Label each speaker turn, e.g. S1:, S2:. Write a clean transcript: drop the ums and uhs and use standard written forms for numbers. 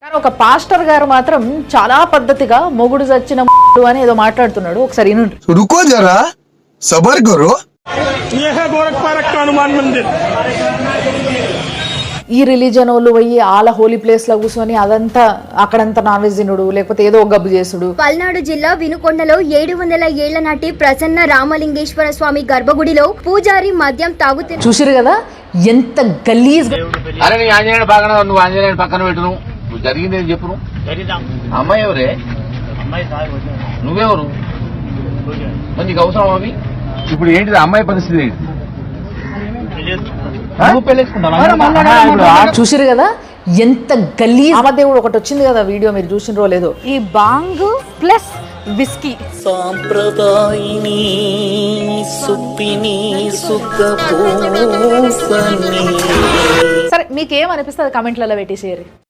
S1: ఒక పాస్టర్ గారు మాత్రం చాలా పద్ధతిగా మొగుడు చచ్చిన అని ఏదో మాట్లాడుతున్నాడు. ఒకసారి వినండి.
S2: रुको जरा सबर करो.
S3: ये है गोरखपारक का हनुमान मंदिर.
S1: ఈ రిలీజన్ వాళ్ళు పోయి ఆల హోలీ ప్లేస్ లో కూర్చొని అదంతా అక్కడంతా నాన్ వెజ్ తినుడు లేకపోతే ఏదో ఒక గబ్బు చేసుడు.
S4: పల్నాడు జిల్లా వినుకొండలో 700 ఏళ్ల నాటి ప్రసన్న రామలింగేశ్వర స్వామి గర్భగుడిలో పూజారి మద్యం తాగుతూ
S1: చూసిరు కదా ఎంత గలీజ్.
S5: అరే నీ ఆంజనేయుడు పక్కన నువ్వు ఆంజనేయుడు పక్కన పెట్టును. నువ్వు జరిగింది ఏం చెప్పును. అమ్మాయి ఎవరే? నువ్వెవరు? మరి నీకు అవసరం అవి? ఇప్పుడు ఏంటిది అమ్మాయి పరిస్థితి ఏంటి?
S1: చూసిరు కదా ఎంత గలీజ్. రామదేవుడు ఒకటి వచ్చింది కదా వీడియో, మీరు చూసినరో లేదో.
S6: ఈ బాంగ్ ప్లస్ విస్కీ
S7: సాంప్రదాయిని సుప్పిని సుఖ
S1: సరే మీకేమనిపిస్తుంది కమెంట్లలో పెట్టేసేయాలి.